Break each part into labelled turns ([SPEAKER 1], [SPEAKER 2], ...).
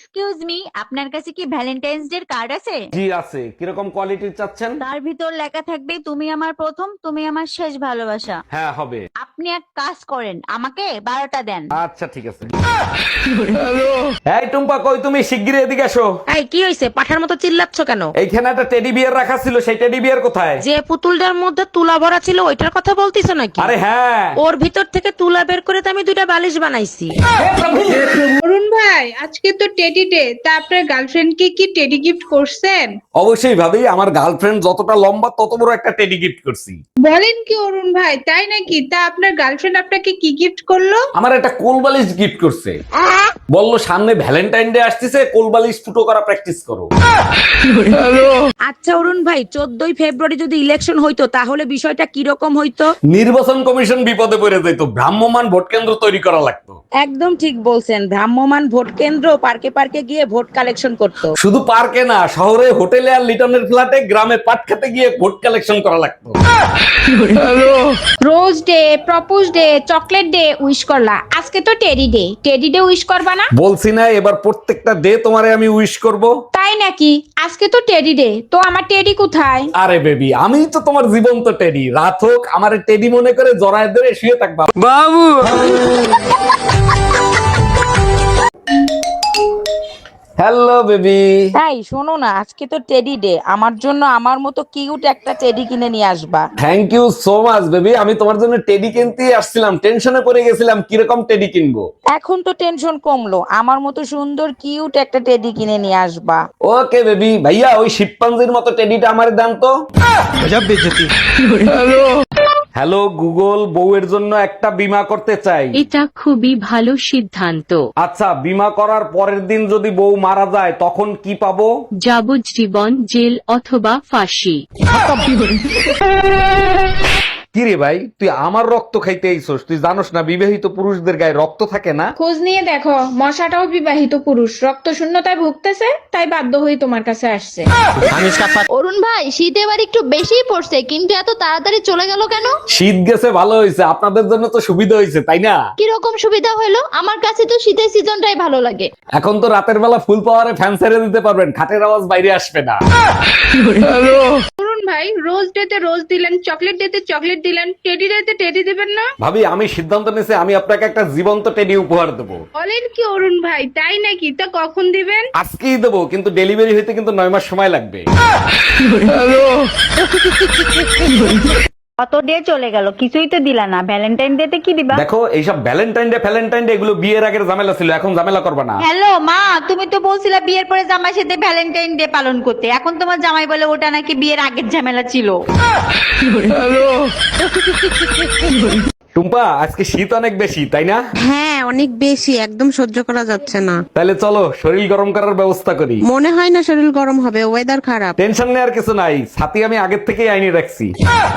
[SPEAKER 1] Excuse me, আপনার কাছে কি ভ্যালেন্টাইন্স ডে কার্ড আছে?
[SPEAKER 2] জি আছে। কিরকম কোয়ালিটির চাচ্ছেন?
[SPEAKER 1] তার ভিতর লেখা থাকবে তুমি আমার প্রথম, তুমি আমার শেষ ভালোবাসা।
[SPEAKER 2] হ্যাঁ হবে।
[SPEAKER 1] আপনি এক কাজ করেন, আমাকে 12টা দেন।
[SPEAKER 2] আচ্ছা ঠিক আছে। এই টুম্পা, কই তুমি? শিগগিরই এদিকে আসো।
[SPEAKER 3] এই কি হইছে? পাঠার মতো চিল্লাচ্ছ কেন?
[SPEAKER 2] এইখানে একটা টেডি বিয়ার রাখা ছিল, সেই টেডি বিয়ার কোথায়?
[SPEAKER 3] যে পুতুলটার মধ্যে তুলা ভরা ছিল ওইটার কথা বলতিছ নাকি?
[SPEAKER 2] আরে হ্যাঁ।
[SPEAKER 3] ওর ভিতর থেকে তুলা বের করে তো আমি দুইটা বালিশ বানাইছি।
[SPEAKER 4] অরুণ ভাই, আজকে তো টেডি ডে, তা আপনার গার্লফ্রেন্ডকে কি টেডি গিফট করছেন?
[SPEAKER 2] অবশ্যই ভাবি, আমার গার্লফ্রেন্ড যতটা লম্বা তত বড় একটা টেডি গিফট করছি।
[SPEAKER 4] বলেন কি অরুণ ভাই, তাই নাকি? তা আপনার গার্লফ্রেন্ড আপনাকে কি গিফট করলো?
[SPEAKER 2] আমার একটা কোলবালিশ গিফট করছে। বললো সামনে ভ্যালেন্টাইন ডে আসতেছে, কোলবালিশ ফুটো করা প্র্যাকটিস করো।
[SPEAKER 3] আচ্ছা অরুণ ভাই, 14ই ফেব্রুয়ারি যদি ইলেকশন হইতো তাহলে বিষয়টা কি রকম হইতো?
[SPEAKER 2] নির্বাচন কমিশন বিপদে পড়ে যেত, ভ্রাম্যমান ভোট কেন্দ্র তৈরি করা লাগতো।
[SPEAKER 3] একদম ঠিক বলছেন, ভ্রাম্যমান ভোট কেন্দ্র পার্কে পার্কে গিয়ে ভোট কালেকশন করতো।
[SPEAKER 2] শুধু পার্কে না, শহরে হোটেলে আর লিটনের ফ্ল্যাটে, গ্রামে পাট খেতে গিয়ে ভোট কালেকশন করা লাগতো।
[SPEAKER 4] Rose day, propose day, chocolate day wish করলা, আজকে তো teddy day, teddy day wish করবা না?
[SPEAKER 2] বলছি না, এবার প্রত্যেকটা ডে তোমারে আমি উইশ করব।
[SPEAKER 4] তাই নাকি? আজকে তো টেডি ডে, তো আমার টেডি কোথায়?
[SPEAKER 2] আরে বেবি, আমি তো তোমার জীবন্ত টেডি। রাত হোক, আমার টেডি মনে করে জড়ায় ধরে শুয়ে থাকবা। বাবু হ্যালো বেবি।
[SPEAKER 3] তাই শোনো না, আজকে তো টেডি ডে, আমার জন্য আমার মতো কিউট একটা টেডি কিনে নিয়ে আসবা।
[SPEAKER 2] Thank you so much baby. আমি তোমার জন্য টেডি কিনতেই আসছিলাম, টেনশনে পড়ে গেছিলাম কিরকম টেডি কিনবো।
[SPEAKER 3] এখন তো টেনশন কমলো, আমার মতো সুন্দর কিউট একটা টেডি কিনে নিয়ে আসবা।
[SPEAKER 2] Okay baby. ভাইয়া, ওই শিম্পাঞ্জির মতো টেডিটা আমারে দেন তো। হ্যালো গুগল, বউয়ের জন্য একটা বীমা করতে চাই।
[SPEAKER 5] এটা খুবই ভালো সিদ্ধান্ত।
[SPEAKER 2] আচ্ছা, বীমা করার পরের দিন যদি বউ মারা যায় তখন কি পাবো?
[SPEAKER 5] যাবজ্জীবন জেল অথবা ফাঁসি।
[SPEAKER 2] কি রে ভাই, তুই আমার রক্ত খাইতে আইছস? তুই জানোস না বিবাহিত পুরুষদের গায়ে রক্ত থাকে না?
[SPEAKER 4] খোঁজ নিয়ে দেখো, মশাটাও বিবাহিত পুরুষ, রক্ত শূন্যতায় ভুগতেছে, তাই বাধ্য হয়ে তোমার কাছে আসছে।
[SPEAKER 6] অরুণ ভাই, শীত এবার একটু বেশিই পড়ছে, কিন্তু এত তাড়াতাড়ি চলে গেল কেন?
[SPEAKER 2] শীত গেছে ভালো হয়েছে, আপনাদের জন্য তো সুবিধা হয়েছে, তাই না?
[SPEAKER 6] কিরকম সুবিধা হলো? আমার কাছে তো শীতের সিজনটাই ভালো লাগে।
[SPEAKER 2] এখন তো রাতের বেলা ফুল পাওয়ারে ফ্যান ছেড়ে দিতে পারবেন, খাটের আওয়াজ বাইরে আসবে না।
[SPEAKER 4] অরুণ ভাই, রোজ ডে তে রোজ দিলেন, চকলেট ডে তে চকলেট দিলেন, টেডি ডে তে টেডি দিবেন না?
[SPEAKER 2] ভাবি, আমি সিদ্ধান্ত নিয়েছি, আমি আপনাকে একটা জীবন্ত টেডি উপহার দেবো।
[SPEAKER 4] বলেন কি অরুণ ভাই, তাই নাকি? তা কখন দিবেন?
[SPEAKER 2] আজকেই দেবো, কিন্তু ডেলিভারি হইতে কিন্তু 9 মাস সময় লাগবে।
[SPEAKER 1] কত ডে চলে গেল, কিছুই তো দিলা না। ভ্যালেন্টাইন ডে তে কি দিবা?
[SPEAKER 2] দেখো, এইসব ভ্যালেন্টাইন ডে এগুলো বিয়ের আগের ঝামেলা ছিল, এখন ঝামেলা করবা না।
[SPEAKER 1] হ্যালো মা, তুমি তো বলছিলা বিয়ের পরে জামাইয়ের সাথে ভ্যালেন্টাইন ডে পালন করতে, এখন তোমার জামাই বলে ওটা নাকি বিয়ের আগের ঝামেলা ছিল।
[SPEAKER 2] টুম্পা, আজকে শীত অনেক বেশি, তাই না?
[SPEAKER 7] হ্যাঁ অনেক বেশি, একদম সহ্য করা যাচ্ছে না।
[SPEAKER 2] তাহলে চলো শরীর গরম করার ব্যবস্থা করি।
[SPEAKER 7] মনে হয় না শরীর গরম হবে, ওয়েদার খারাপ।
[SPEAKER 2] টেনশন নেওয়ার কিছু নাই, ছাতি আমি আগের থেকেই আইনে রাখছি।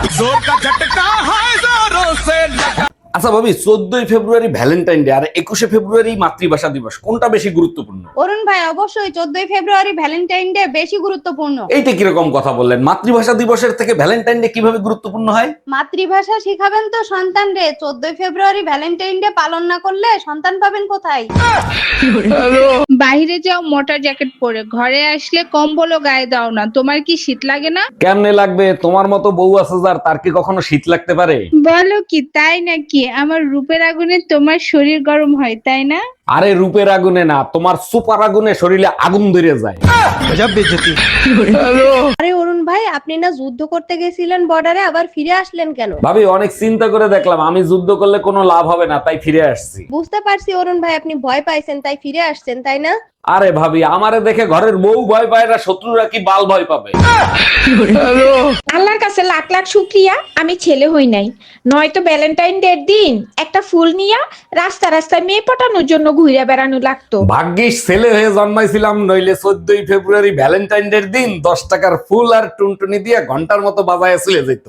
[SPEAKER 2] আচ্ছা ভাবি, 14ই ফেব্রুয়ারি ভ্যালেন্টাইন ডে আর 21শে ফেব্রুয়ারি মাতৃভাষা দিবস, কোনটা বেশি গুরুত্বপূর্ণ?
[SPEAKER 1] অরুণ ভাই, অবশ্যই 14ই ফেব্রুয়ারি ভ্যালেন্টাইন ডে বেশি গুরুত্বপূর্ণ।
[SPEAKER 2] এইটা কিরকম কথা বললেন? মাতৃভাষা দিবসের থেকে ভ্যালেন্টাইন ডে কিভাবে গুরুত্বপূর্ণ হয়?
[SPEAKER 1] মাতৃভাষা শিখাবেন তো সন্তান রে, 14ই ফেব্রুয়ারি ভ্যালেন্টাইন ডে পালন না করলে সন্তান পাবেন কোথায়?
[SPEAKER 4] বাইরে যাও মোটা জ্যাকেট পরে, ঘরে আসলে কম্বলও গায়ে দাও না, তোমার কি শীত লাগে না?
[SPEAKER 2] কেমনে লাগবে? তোমার মতো বউ আছে যার, তার কি কখনো শীত লাগতে পারে?
[SPEAKER 4] বলো কি, তাই নাকি? আমার রূপের আগুনে তোমার শরীর গরম হয়, তাই না?
[SPEAKER 2] আরে রূপের আগুনে না, তোমার সুপার আগুনে শরীরে আগুন ধরে যায়।
[SPEAKER 1] আরে অরুণ ভাই, আপনি না যুদ্ধ করতে গেছিলেন বর্ডারে, আবার ফিরে আসলেন কেন?
[SPEAKER 2] ভাবি, অনেক চিন্তা করে দেখলাম আমি যুদ্ধ করলে কোনো লাভ হবে না, তাই ফিরে আসছি।
[SPEAKER 1] বুঝতে পারছি অরুণ ভাই, আপনি ভয় পাইছেন তাই ফিরে আসছেন, তাই না?
[SPEAKER 2] আরে ভাবি, আমারে দেখে ঘরের বউ ভয় পায় না, শত্রুরা কি বাল ভয় পাবে?
[SPEAKER 4] আল্লাহর কাছে লাখ লাখ শুক্রিয়া আমি ছেলে হই নাই, নয়তো ভ্যালেন্টাইন ডের দিন একটা ফুল নিয়া রাস্তা রাস্তায় মেয়ে পটানোর জন্য ঘুরে বেড়ানো লাগতো।
[SPEAKER 2] ভাগ্যিস ছেলে হয়ে জন্মাইছিলাম, নইলে 14ই ফেব্রুয়ারি ভ্যালেন্টাইন ডের দিন 10 টাকার ফুল আর টুনটুনি দিয়ে ঘন্টার মতো বাজায় চলে যেত।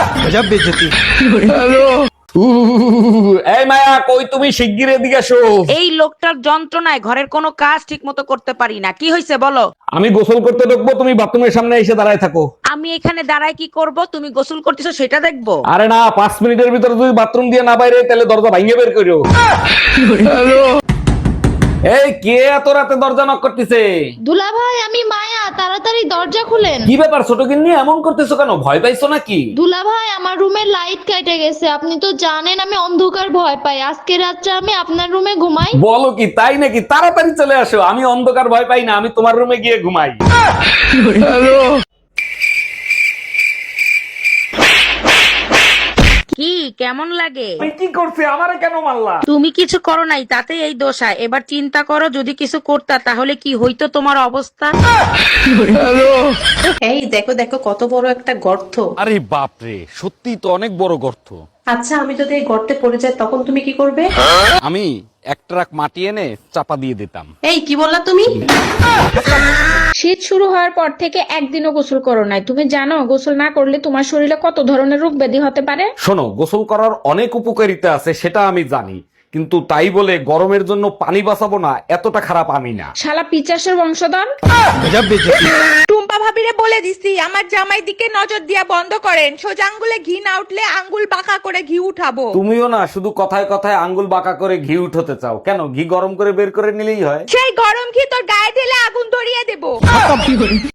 [SPEAKER 2] এই মায়া, কই তুমি? শিগগির এদিকে আসো।
[SPEAKER 3] এই লোকটার যন্ত্রণায় ঘরের কোনো কাজ ঠিক মতো করতে পারি না। কি হয়েছে বলো?
[SPEAKER 2] আমি গোসল করতে ঢুকবো, তুমি বাথরুমের সামনে এসে দাঁড়ায় থাকো।
[SPEAKER 3] আমি এখানে দাঁড়ায় কি করব? তুমি গোসল করতেছো সেটা দেখবো?
[SPEAKER 2] আরে না, 5 মিনিটের ভিতরে যদি বাথরুম দিয়ে না বাইরে তাহলে দরজা ভাঙিয়ে বের করো। এই কে এত রাতে দরজা নক করতেছে?
[SPEAKER 6] দুলা ভাই আমি মায়া, তাড়াতাড়ি দরজা খুলেন।
[SPEAKER 2] কি ব্যাপার ছোট গিন্নি, এমন করতেছো কেন? ভয় পাইছো নাকি?
[SPEAKER 6] দুলা ভাই আমার রুমের লাইট কেটে গেছে, আপনি তো জানেন আমি অন্ধকার ভয় পাই। আজকে রাত্রে আমি আপনার রুমে ঘুমাই।
[SPEAKER 2] বলো কি, তাই নাকি? তাড়াতাড়ি চলে আসো। আমি অন্ধকার ভয় পাই না, আমি তোমার রুমে গিয়ে ঘুমাই।
[SPEAKER 3] কি কেমন লাগে?
[SPEAKER 2] তুমি কি করছে? আমারে কেন মারলা?
[SPEAKER 3] তুমি কিছু করো নাই, তাতে এই দোষা। এবার চিন্তা করো, যদি কিছু করতা তাহলে কি হইতো তোমার অবস্থা।
[SPEAKER 8] এই দেখো দেখো কত বড় একটা গর্ত।
[SPEAKER 2] আরে বাপরে, সত্যি তো অনেক বড় গর্ত।
[SPEAKER 8] আচ্ছা আমি যদি এই গর্তে পড়ে যাই তখন তুমি কি করবে?
[SPEAKER 2] আমি এক ট্রাক মাটি এনে চাপা দিয়ে দিতাম।
[SPEAKER 8] এই কি বললা তুমি?
[SPEAKER 4] শীত শুরু হওয়ার পর থেকে একদিনও গোসল করো নাই, তুমি জানো গোসল না করলে তোমার শরীরে কত ধরনের রোগ ব্যাধি হতে পারে?
[SPEAKER 2] শোনো, গোসল করার অনেক উপকারিতা আছে সেটা আমি জানি, কিন্তু তাই বলে গরমের জন্য পানি বাঁচাবো না এতটা খারাপ আমি না।
[SPEAKER 4] শালা পিচাসের বংশধর।
[SPEAKER 3] টুম্পা ভাবিরে বলে দিছি আমার জামাই দিকে নজর দিয়া বন্ধ করেন, সোজা আঙ্গুলে ঘি না উঠলে আঙ্গুল বাঁকা করে ঘি উঠাবো।
[SPEAKER 2] তুমিও না শুধু কথায় কথায় আঙ্গুল বাঁকা করে ঘি উঠাতে চাও কেন? ঘি গরম করে বের করে নিলেই হয়।
[SPEAKER 3] সেই গরম ঘি তোর গায়ে ঢেলে আগুন ধরিয়ে দেবো।